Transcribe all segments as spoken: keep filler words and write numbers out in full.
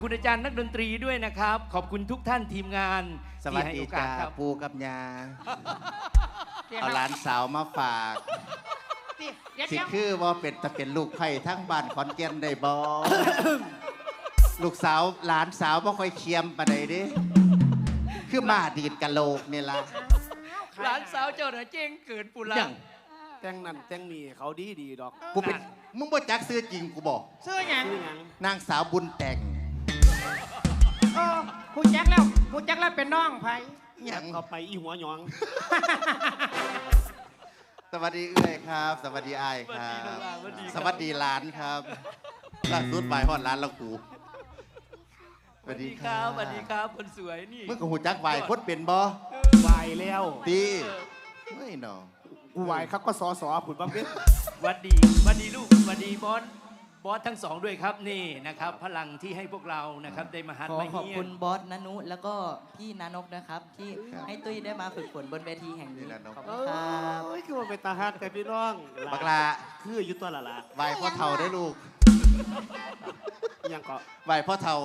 คุณอาจารย์นักดนตรีด้วยนะครับขอบคุณทุกท่านทีมงานสวัสดีจ้าปูกับยาเอาหลานสาวมาฝากสิคือว่าเป็นจะเป็นลูกไผ่ทั้งบ้านขอนแก่นได้บ่ ลูกสาวหลานสาวบ่ค่อยเคียมปานใดเด้คือมาดีดกะโหลกนี่ล่ะหลานสาวเจ้าน่ะเจ้งเกิดปุระแต่งนั่นแต่งนี่เขาดีดีดอกกูเป็นมึงบ่จักซื้อจริงกูบอกซื้อหยังนางสาวบุญแต่งโอ้ผู้แจ็คแล้วผู้แจ็คแล้วเป็นน้องไผยังเขาไปอีหัวหยองสวัสดีเอ้ยครับ สวัสดีไอ้ครับสวัสดีหลานครับล่าสุดไปฮอดร้านแล้วกูสวัสดีครับสวัสดีครับคนสวยนี่มึงกับหูจักไหวคนเป็นบ่ไหวแล้วตีไม่หนอกูไหวครับก็สอสอผุดบ้าเป็นวัดดีวัดดีลูกวัดดีบอสบอสทั้งสองด้วยครับนี่นะครับพลังที่ให้พวกเรานะครับได้มาฮัดมาเฮียขอขอบคุณบอสนานุแล้วก็พี่นานกนะครับที่ให้ตุ้ยได้มาฝึกฝนบนเวทีแห่งนี้ขอบคุณครับโอ้ยคือว่าเป็นตาฮักแต่พี่น้องบักลาคืออยู่ตัวละละไหวพ่อเฒ่าได้ลูกยังก็ไหวพ่อเฒ่า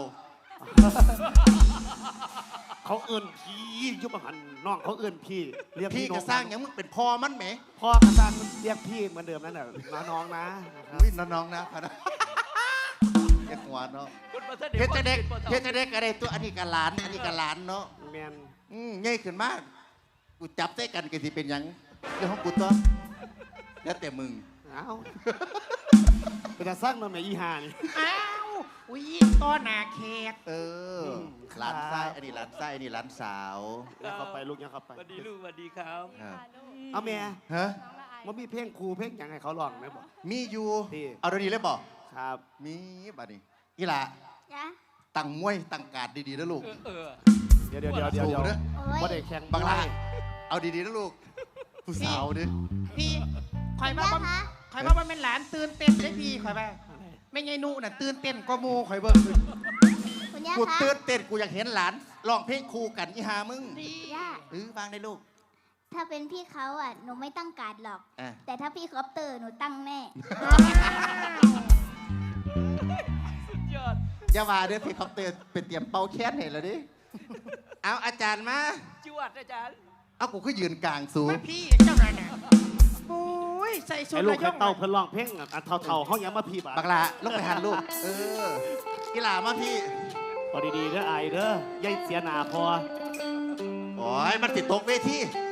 เขาเอิ้นพี่ยุบหันน้องเขาเอิ้นพี่เรียกพี่จะสร้างยังมึงเป็นพ่อมันไหมพ่อกระซังเรียกพี่เหมือนเดิมนั่นแหละน้องนะอุ้ยน้องๆนะเด็กหัวเนาะเฮ็ดจะเด็กเฮ็ดจะเด็กอะไรตัวอันนี้กับหลานอันนี้กับหลานเนาะแมนอืมง่ายขึ้นมากกูจับได้กันกันสิเป็นยังเรื่องของกูตัวแล้วแต่มึงอ้าวเป็นกระซังน้องแม่อีห่านี่อ้าวอุ้ยต้อหนาแขกเออหลานไส้อันนี้หลานไส้อันนี้หลานสาวยังเข้าไปลูกยังเข้าไปสวัสดีลูกสวัสดีครับเอาแม่ฮะว่ามีเพลงครูเพลงยังให้เขาลองไหมบอกมีอยู่เอาเดี๋ยวนี้เลยบอกครับมีบัดนี้อีหล่ะตั้งมวยตั้งการ์ดดีๆนะลูกเดี๋ยวเดี๋ยวเดี๋ยวเดี๋ยวเดี๋ยวว่าเด็กแข่งบังลาเอาดีๆนะลูกผู้สาวดิพี่คอยว่าคอยว่ามันเป็นหลานตื่นเต้นได้พี่คอยว่าไม่ไงนูน่ะตื่นเต้นก็มูคอยเบิ่งกูตื่นเต้นกูอยากเห็นหลานร้องเพลงคู่กันอีหามึงย่าเออฟังได้ลูกถ้าเป็นพี่เขาอ่ะหนูไม่ตั้งการ์ดหรอกแต่ถ้าพี่คอปเตอร์หนูตั้งแน่สุดยอดอย่าว่าเด้อพี่คอปเตอร์เป็นเตรียมเป่าแค้นเห็นแล้วดิเอาอาจารย์มาจวดอาจารย์เอากูก็ยืนกลางสูงพี่เจ้าหน่อยน่ะโอ้ยใส่ชุดลูกเต่าเพิ่นร้องเพลงอันเท่าๆเขายังมาพี่บ้าบักลาลงไปหันลูกเออกีฬามาพี่พอดีๆเด้อไอเด้อยายเสียหนาพอโอ้ยมันติดตกเวที